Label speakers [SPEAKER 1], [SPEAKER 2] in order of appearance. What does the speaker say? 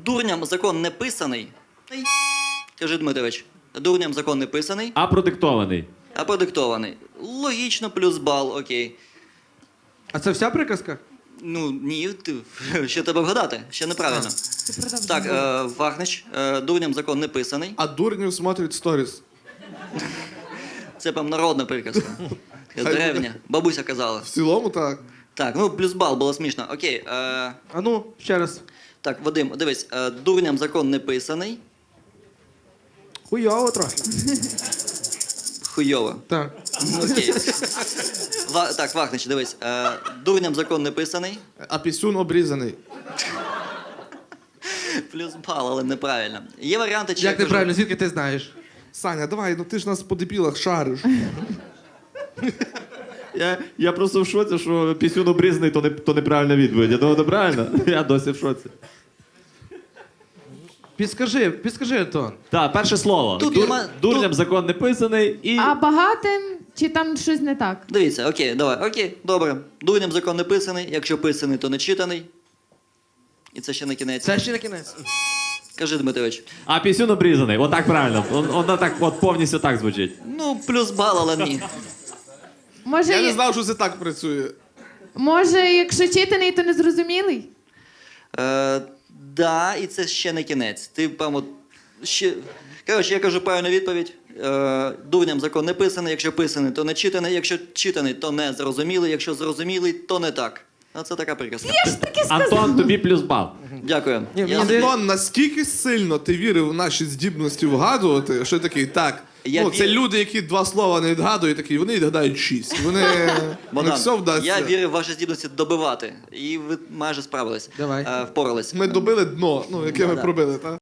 [SPEAKER 1] Дурням закон не писаний. Кажи, Дмитрович. Дурням закон не писаний,
[SPEAKER 2] А продиктований.
[SPEAKER 1] а продиктований. Логічно, плюс бал, окей.
[SPEAKER 3] А це вся приказка?
[SPEAKER 1] Ну, ні, ще треба вгадати, ще неправильно. Так, Вахнич, дурням закон не писаний.
[SPEAKER 4] А дурнів смотрять сторіс.
[SPEAKER 1] Це прям народна приказка. Древня. Бабуся казала.
[SPEAKER 4] В цілому так.
[SPEAKER 1] Так, ну плюс бал, було смішно. Окей.
[SPEAKER 3] А ну, ще раз.
[SPEAKER 1] Так, Вадим, дивись, дурням закон не писаний.
[SPEAKER 3] Хуйово трохи.
[SPEAKER 1] Хуйово.
[SPEAKER 3] Так.
[SPEAKER 1] Окей. Так, Вахнич, дивись. Дурням закон не писаний.
[SPEAKER 4] А пісюн обрізаний.
[SPEAKER 1] Плюс бал, але неправильно. Є варіанти, чи я
[SPEAKER 3] Як
[SPEAKER 1] кажу-
[SPEAKER 3] неправильно, звідки ти знаєш?
[SPEAKER 4] Саня, давай, ну ти ж нас по дебілах шариш.
[SPEAKER 2] Я просто в шоці, що пісюн обрізаний, то неправильна відповідь. Я думаю, неправильно? Я досі в шоці.
[SPEAKER 3] Підскажи, Антон.
[SPEAKER 2] Так, перше слово.
[SPEAKER 1] Тут нема-
[SPEAKER 2] Дурням
[SPEAKER 1] тут-
[SPEAKER 2] закон не писаний і...
[SPEAKER 5] А багатим чи там щось не так?
[SPEAKER 1] Дивіться, окей, давай, окей, добре. Дурням закон не писаний, якщо писаний, то не читаний. І це ще не кінець.
[SPEAKER 3] Це ще не кінець.
[SPEAKER 1] Кажи, Дмитрович.
[SPEAKER 2] А пісюн обрізаний. Отак правильно. Воно так от повністю так звучить.
[SPEAKER 1] Ну, плюс бал, але ні.
[SPEAKER 5] Може,
[SPEAKER 4] Я не знав, що це так працює.
[SPEAKER 5] може, якщо читаний, то незрозумілий?
[SPEAKER 1] Да, і це ще не кінець. Ти, прямо, ще... Коротше, я кажу правильну відповідь. Дурням закон не писаний, якщо писаний, то не читаний, якщо читаний, то не зрозумілий, якщо зрозумілий, то не так. Оце така приказка.
[SPEAKER 5] Я ж таки сказала.
[SPEAKER 2] Антон, тобі плюс бал.
[SPEAKER 1] Дякую.
[SPEAKER 3] Ні,
[SPEAKER 1] Я-
[SPEAKER 3] мені здається-
[SPEAKER 4] Антон, настільки сильно ти вірив в наші здібності вгадувати, що такий, так,
[SPEAKER 1] Я
[SPEAKER 4] ну, це
[SPEAKER 1] вір-
[SPEAKER 4] люди, які 2 слова не відгадують, такі, вони відгадають 6. Вони не
[SPEAKER 1] Богдан,
[SPEAKER 4] все вдасться.
[SPEAKER 1] я вірю в ваші здібності добивати. І ви майже справились.
[SPEAKER 3] Давай.
[SPEAKER 1] Впорались.
[SPEAKER 4] Ми добили дно, ну, яке ми
[SPEAKER 1] да.
[SPEAKER 4] пробили, так?